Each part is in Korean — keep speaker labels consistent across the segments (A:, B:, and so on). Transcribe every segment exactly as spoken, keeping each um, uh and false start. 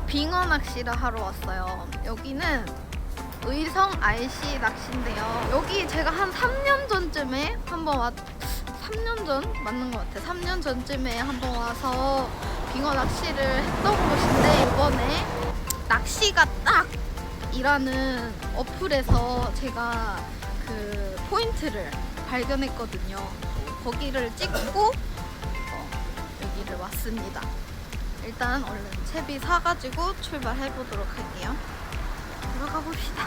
A: 빙어 낚시를 하러 왔어요. 여기는 의성 알씨 낚시인데요. 여기 제가 한 삼 년 전쯤에 한번 왔, 삼 년 전? 맞는 것 같아. 삼 년 전쯤에 한번 와서 빙어 낚시를 했던 곳인데, 이번에 낚시가 딱! 이라는 어플에서 제가 그 포인트를 발견했거든요. 거기를 찍고 어, 여기를 왔습니다. 일단 얼른 채비 사가지고 출발해 보도록 할게요. 들어가 봅시다.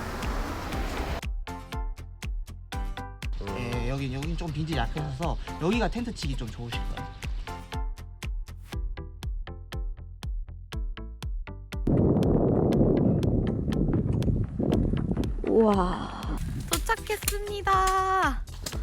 B: 예, 여기 여긴 좀 빈지 약해서 여기가 텐트 치기 좀 좋으실 거예요.
A: 우와, 도착했습니다.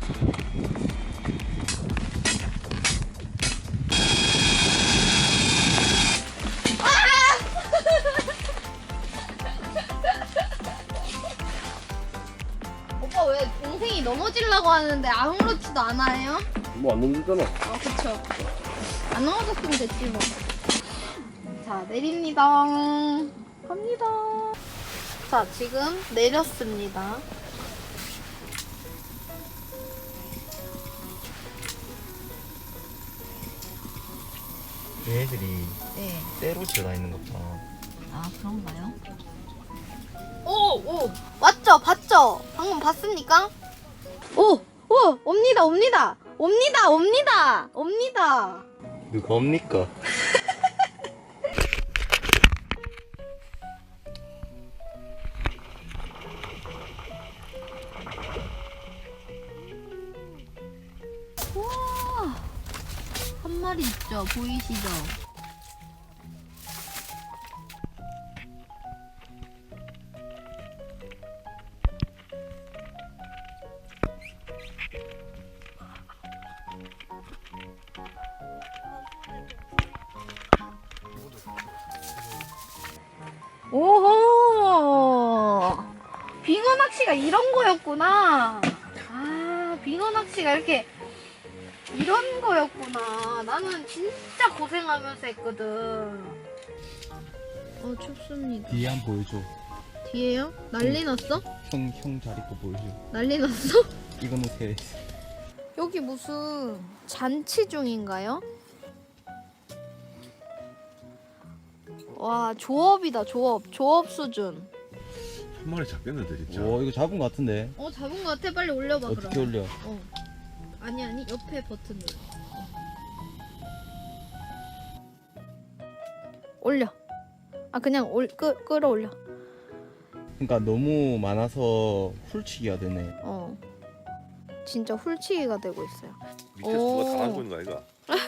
A: 오빠 왜 동생이 넘어지려고 하는데 아무렇지도 않아요?
C: 뭐 안 넘는잖아.
A: 아 그쵸. 안 넘어졌으면 됐지 뭐. 자 내립니다. 갑니다. 자 지금 내렸습니다.
B: 얘네들이
A: 네.
B: 때로 들어가 있는 것 봐.
A: 아 그런가요? 오! 오! 맞죠? 봤죠? 방금 봤습니까? 오! 오! 옵니다 옵니다! 옵니다 옵니다! 옵니다!
B: 누가 옵니까?
A: 우와! 한 마리 있죠? 보이시죠? 오호! 빙어 낚시가 이런 거였구나. 아, 빙어 낚시가 이렇게 이런 거였구나. 나는 진짜 고생하면서 했거든. 어, 춥습니다.
C: 뒤에 한 번 보여줘.
A: 뒤에요? 난리 났어?
C: 형, 형 자리 거 보여줘.
A: 난리 났어?
C: 이거는 새.
A: 여기 무슨 잔치 중인가요? 와, 조업이다, 조업. 조업 수준.
D: 한 마리 잡겠는데 진짜.
C: 오, 이거 잡은 거 같은데.
A: 어, 잡은 거 같아. 빨리 올려봐,
C: 어떻게
A: 그럼.
C: 올려?
A: 어. 아니, 아니, 옆에 버튼 눌러. 올려. 아, 그냥 올, 끄, 끌어올려.
C: 그러니까 너무 많아서 훌치기가 되네.
A: 어. 진짜 훌치기가 되고 있어요.
D: 밑에서
A: 오.
D: 누가 당하고 있는 거 아이가?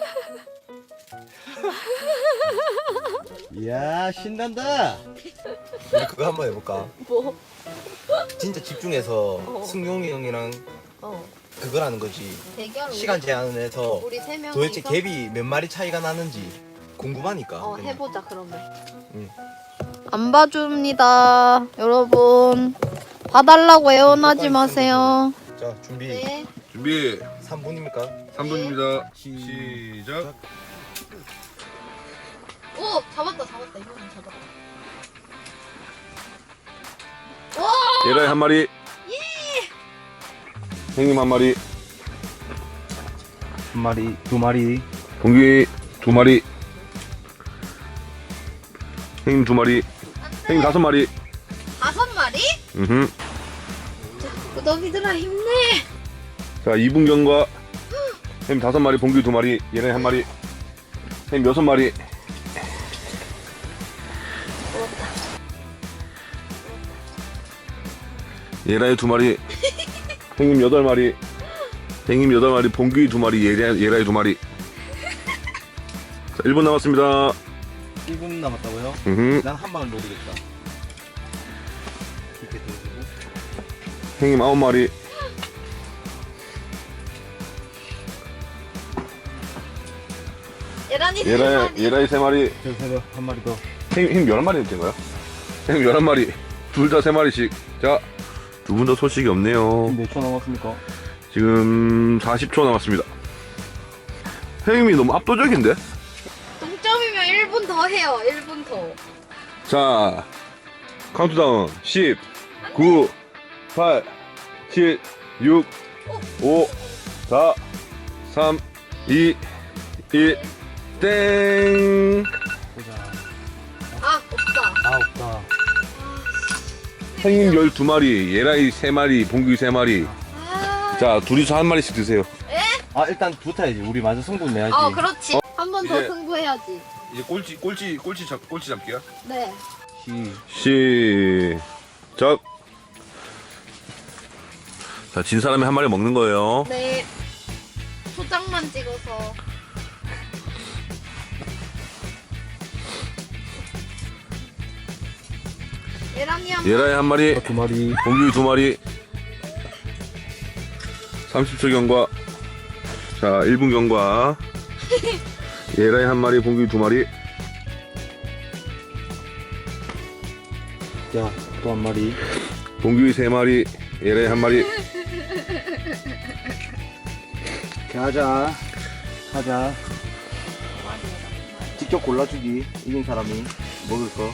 B: 이야 신난다. 우리 그거 한번 해볼까?
A: 뭐?
B: 진짜 집중해서
A: 어.
B: 승용이 형이랑
A: 어.
B: 그걸 하는 거지.
A: 대결
B: 시간 제한을 해서
A: 우리 세 명이서
B: 도대체 갭이 몇 마리 차이가 나는지 궁금하니까.
A: 어,
B: 그냥.
A: 해보자 그러면.
B: 응.
A: 안 봐줍니다, 여러분. 봐달라고 애원하지 마세요.
B: 자 준비.
A: 네.
D: 준비
B: 삼 분입니까?
D: 삼 분입니다.
B: 시-
D: 시작.
A: 오, 잡았다, 잡았다. 이거는 잡았다.
D: 얘라이 한 마리. 예. 형님 한 마리.
C: 한 마리, 두 마리.
D: 동기 두 마리. 형님 두 마리. 형님 다섯 마리.
A: 다섯 마리?
D: 음.
A: 구더기들아 힘내.
D: 자 이분경과 형님 다섯 마리, 봉기 두 마리, 얘네 한 마리. 형님 여섯 마리. 얘라이 두 마리. 형님 여덟 마리. 형님 여덟 마리, 봉기 두 마리, 얘라이, 얘라이 두 마리. 자 일 분 남았습니다.
C: 일 분 남았다고요?
D: 음.
C: 난 한 방을 노리겠다. 이렇게 들고.
D: 형님 아홉 마리.
A: 얘란이 세
D: 얘라이,
A: 마리.
D: 얘라이 세 마리.
C: 저 새벽 한 마리 더.
D: 형님, 형님 열한 마리 된 거야? 형님 열한 마리. 둘 다 세 마리씩. 자, 두 분 다 소식이 없네요.
C: 몇 초 남았습니까?
D: 지금 사십 초 남았습니다. 형님이 너무 압도적인데?
A: 동점이면 일 분 더 해요. 일 분 더.
D: 자, 카운트다운 십, 구, 팔, 칠, 육, 오, 사, 삼, 이, 일, 땡.
C: 보자.
A: 아 없다.
C: 아, 없다.
D: 형님 열두 마리, 예라이 세 마리, 봉규 세 마리.
A: 아,
D: 자, 둘이서 한 마리씩 드세요.
C: 아, 일단 붙어야지. 우리 먼저 승부 내야지.
A: 어 그렇지. 한 번 더
D: 이제-
A: 승부해야지.
D: 이제 꼴찌, 꼴찌, 꼴찌 잡, 꼴찌 잡기야.
A: 네.
C: 시.
D: 시작. 자, 진 사람이 한 마리 먹는 거예요.
A: 네. 초장만 찍어서. 예란이 한
D: 예라이 한 마리,
C: 두 마리.
D: 봉규 두 마리. 삼십 초 경과. 자, 일 분 경과. 예라이 한 마리, 봉규 두 마리.
C: 자, 또 한 마리.
D: 봉규 세 마리, 예라이 한 마리.
C: 가자. 가자. 직접 골라주기. 이긴 사람이 먹을 거.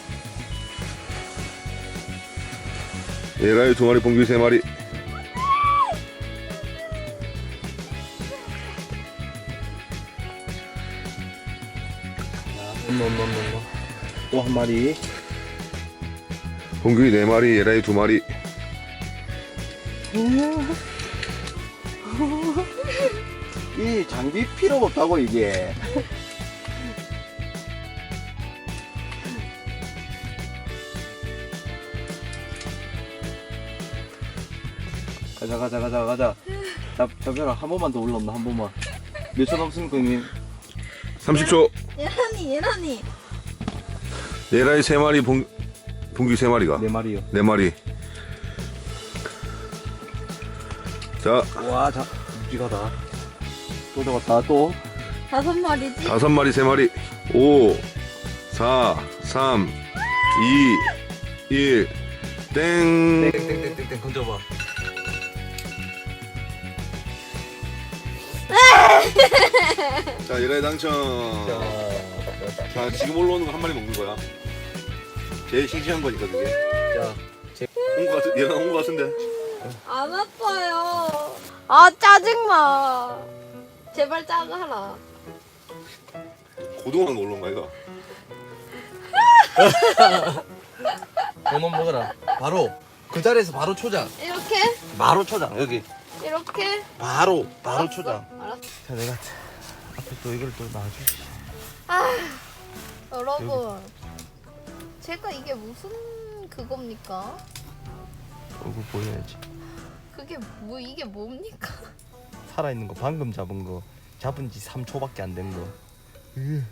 D: 예라이 두 마리, 봉규 세 마리.
C: 또 한 마리.
D: 봉규 네 마리, 예라이 두 마리.
C: 이 장비 필요가 없다고 이게. 가자 가자 가자 가자. 자, 잡혀라. 한 번만 더 올라온다. 한 번만. 몇 초 남습니까 형님?
D: 삼십 초.
A: 예란이 예란이.
D: 예라이 세 마리, 봉, 봉규 세 마리가.
C: 네 마리요.
D: 네 마리. 자,
C: 와, 자, 묵직하다. 또 잡았다. 또.
A: 다섯 마리지?
D: 다섯 마리, 세 마리. 오, 사, 삼, 이, 일, 땡.
C: 땡땡땡땡 건져봐.
D: 자, 예라이 당첨. 자, 지금 올라오는 거 한 마리 먹는 거야. 제일 싱싱한 거니까 그게.
C: 자,
D: 온거 같은, 얘가 온거 같은데.
A: 안 아파요. 아 짜증나. 제발 짜가라.
D: 고등어랑 놀러 온 거야, 이거.
C: 그만 먹어라. 바로 그 자리에서 바로 초장.
A: 이렇게
C: 바로 초장. 여기.
A: 이렇게.
C: 바로 바로 초장.
A: 알았어.
C: 자, 내가 앞에 또 이걸 또 놔주시.
A: 아 여러분, 제가 이게 무슨 그겁니까?
C: 얼굴 보여야지.
A: 그게 뭐 이게 뭡니까?
C: 살아있는 거 방금 잡은 거 잡은 지 삼 초밖에 안 된 거. 으.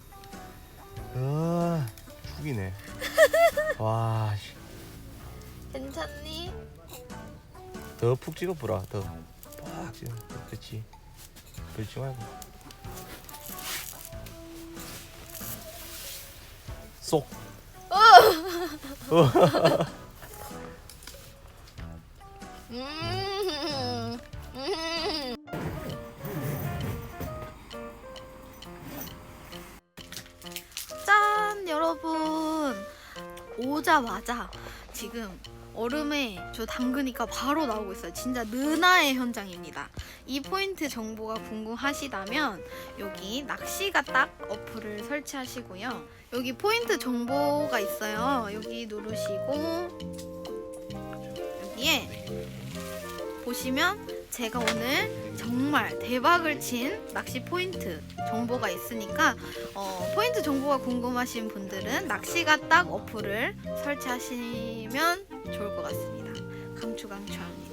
C: 아, 죽이네. 와, 씨.
A: 괜찮니?
C: 더 푹 찍어보라. 더 빡 찍어. 그렇지. 그렇지 말고. 쏙.
A: 음. 음. 짠 여러분, 오자마자 지금 얼음에 저 담그니까 바로 나오고 있어요. 진짜 느나의 현장입니다. 이 포인트 정보가 궁금하시다면 여기 낚시가 딱 어플을 설치하시고요. 여기 포인트 정보가 있어요. 여기 누르시고 여기에 보시면 제가 오늘 정말 대박을 친 낚시 포인트 정보가 있으니까 어, 포인트 정보가 궁금하신 분들은 낚시가 딱 어플을 설치하시면 좋을 것 같습니다. 강추 강추합니다.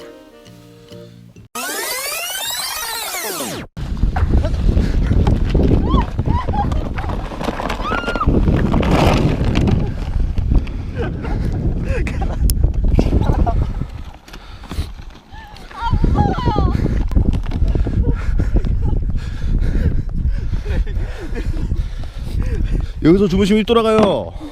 C: 여기서 주무시면 돌아가요.